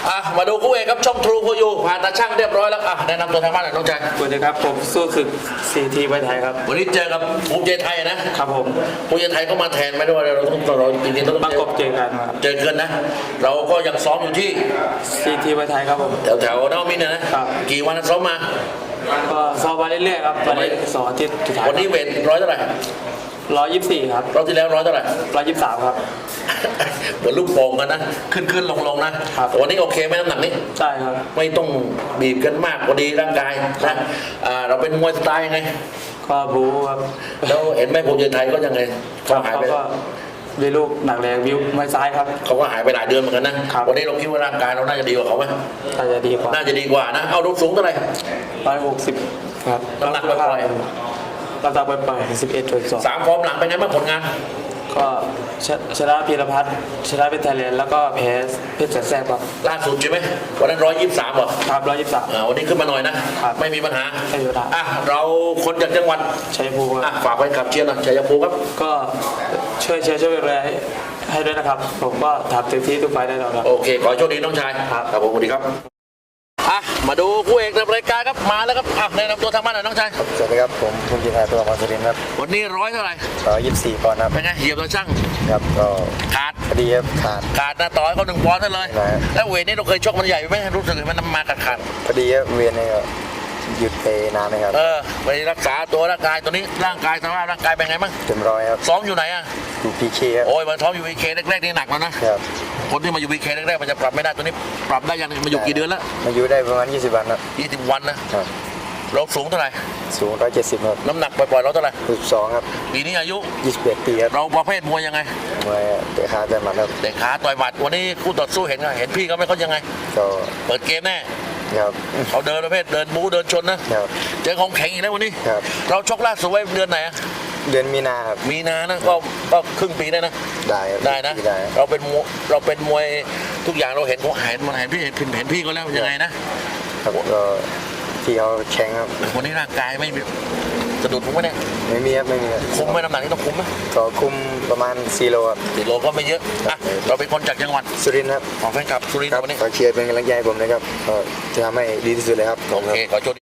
มาดูคู่เอกครับช่องทรูโคยูผ่านตาช่างเรียบร้อยแล้วแนะนำตัวทางบ้านหน่อยน้องชายสวัสดีครับผมสู้ศึกซีทีไวไทยครับวันนี้เจอกับภูมิใจไทยนะครับผมภูมิใจไทยก็มาแทนไม่ด้วยเราจริงๆต้องประกบเจอกันครับเจอกันนะเราก็ยังซ้อมอยู่ที่ซีทีไวไทยครับผมแถวนวมินทร์นะครับกี่วันซ้อมมาก็ซ้อมมาเรื่อยๆครับวันนี้สองอาทิตย์สุดท้ายวันนี้เวทร้อยเท่าไหร่ 124ครับรอบที่แล้วร้อยเท่าไหร่ 123ครับเหมือนลูกโป่งกันนะขึ้นลงนะวันนี้โอเคไหมน้ำหนักนี้ใช่ครับไม่ต้องบีบกันมากพอดีร่างกายนะเราเป็นมวยสไตล์ยังไงก็บู๊ครับแล้วเห็นไหมภูมิใจไทยก็ยังไงเขาหายไปมีลูกหนักแรงวิวไม่ซ้ายครับเขาก็หายไปหลายเดือนเหมือนกันนะวันนี้เราคิดว่าร่างกายเราน่าจะดีกว่าเขาไหมน่าจะดีกว่านะเอาลูกสูงเท่าไหร่ 160ครับน้ำหนักปล่อยน้ำหนักปล่อย11.2 3 ฟอร์มหลังเป็นไงบ้างผลงานก็ชนะพีรพัฒน์ชนะเป็นไทยแลนด์แล้วก็แพ้เพชรแสบครับล่าสุดใช่ไหมวันนั้น123เหรอครับ123 วันนี้ขึ้นมาหน่อยนะไม่มีปัญหาเราคนจากจังหวัดชัยภูมิฝากไว้ขับเชียร์หน่อยชัยภูมิครับก็ช่วยแรงให้ด้วยนะครับผมก็ทำเต็มที่ทุกไฟได้แล้วครับโอเคขอโชคดีน้องชายครับผมสวัสดีครับมาดูคู่เอกในรายการครับมาแล้วครับแนะนำตัวทางบ้านหน่อยน้องชายสวัสดีครับผมภูมิใจไทยตัวมัสรินครับวันนี้ร้อยเท่าไหร่ 124ปอนด์ครับเป็นไงเหยียบตัวช่างครับก็ขาดพอดีครับขาดนะต่อให้เขา1 ปอนด์นั่นเลยแล้วเวทนี้เราเคยชกมันใหญ่ไหมรู้สึกมันมาขาดพอดีครับเวียนนี่ก็หยุดไปนานนะครับไปรักษาตัวร่างกายตัวนี้ร่างกายสภาพร่างกายเป็นไงบ้างเต็มร้อยครับซ้อมอยู่ไหนอยู่พีเคครับโอ้ยมันซ้อมอยู่พีเคแรกๆนี่หนักแล้วนะครับคนที่มาอยู่พีเคแรกๆมันจะปรับไม่ได้ตัวนี้ปรับได้ยังมาอยู่กี่เดือนแล้วมาอยู่ได้ประมาณ20 วันครับ 20 วันนะครับเราสูงเท่าไหร่สูง170ครับน้ำหนักปล่อยๆเราเท่าไหร่ 62ครับปีนี้อายุ 21 ปีครับเราประเภทมวยยังไงมวยเตะขาต่อยหมัดครับเตะขาต่อยหมัดวันนี้คู่ต่อสู้เห็นพี่เขาไม่เขายังไงก็เปิดเกมแน่ครับเขาเดินประเภทเดินบู๊เดินชนนะครับเจอของแข็งอีกแล้ววันนี้ครับเราชกล่าสุดไว้เดือนไหนเดือนมีนาครับมีนานะก็ครึ่งปีได้นะได้นะเราเป็นมวยทุกอย่างเราเห็นเขาเห็นพี่ก็แล้วยังไงนะครับก็ที่เขาแข็งครับวันนี้ร่างกายไม่สะดุดมั้งไหมเนี่ยไม่มีครับคุมไหมน้ำหนักนี่ต้องคุมไหมก็คุมประมาณ4 โลครับ 4 โลก็ไม่เยอะเราเป็นคนจากจังหวัดสุรินทร์ครับของแฟนคลับสุรินทร์วันนี้ขอเชียร์เป็นกำลังใจผมนะครับก็จะทำให้ดีที่สุดเลยครับโอเคขอโชค